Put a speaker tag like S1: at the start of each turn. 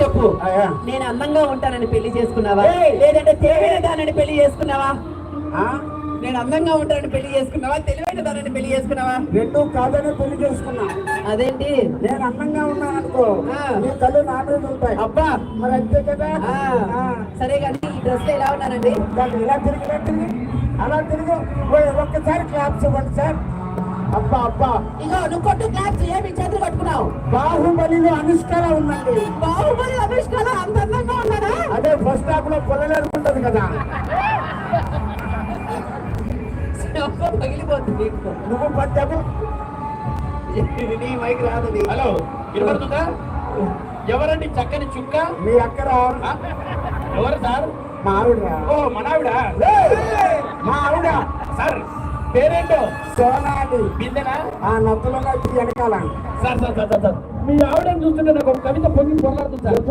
S1: చెప్పు.
S2: నేను అందంగా ఉంటానని పెళ్లి చేసుకున్నావా, లేదంటే తెలివైన దానని పెళ్లి చేసుకున్నావా? నేను అందంగా ఉంటానని పెళ్లి చేసుకున్నావా, తెలివైన దానని పెళ్లి చేసుకున్నావా?
S1: రెండు కాదని పెళ్లి చేసుకున్నా.
S2: అదేంటి?
S1: నేను అందంగా ఉన్నాను అనుకో, నీ కళ్ళు నా మీద ఉంటాయి.
S2: అబ్బా,
S1: మరి అంతే కదా.
S2: సరే కానీ ఈ డ్రెస్ లో ఎలా ఉన్నానండి?
S1: దాన్ని ఇలా తిరిగి అలా తిరిగి ఒక్కసారి క్లాప్స్ ఇవ్వండి సార్. అబ్బా అబ్బా,
S2: ఇగో నువ్వు కొట్టు క్లాప్స్. ఏమి చేతులు పట్టుకున్నావు?
S1: బాహుబలిలో అనుష్కలా ఉందండి.
S2: బాహుబలి అనుష్కల అంత అందంగా ఉన్నాడా?
S1: అదే ఫస్ట్ హాఫ్ లో పొల్లలేరు ఉంటది కదా.
S2: పగిలిపోతుంది.
S1: నువ్వు పట్టావు
S2: నీ మైక్ రాదు.
S3: హలో, వినపడుతుందా? ఎవరండి చక్కని చుక్క?
S1: మీ అక్కడ
S3: ఎవరు సార్?
S1: మా ఆవిడ.
S3: ఓ, మనావిడ.
S1: మా ఆవిడ
S3: సార్ పేరేంటో?
S1: సోనాలి.
S3: బిందెనా?
S1: ఆ నొక్కలో వెనకాల.
S3: సార్ సార్ సార్ సార్, మీ ఆవిడని చూస్తుంటే నాకు ఒక కవిత పొంగి పొరలాడుతుంది సార్.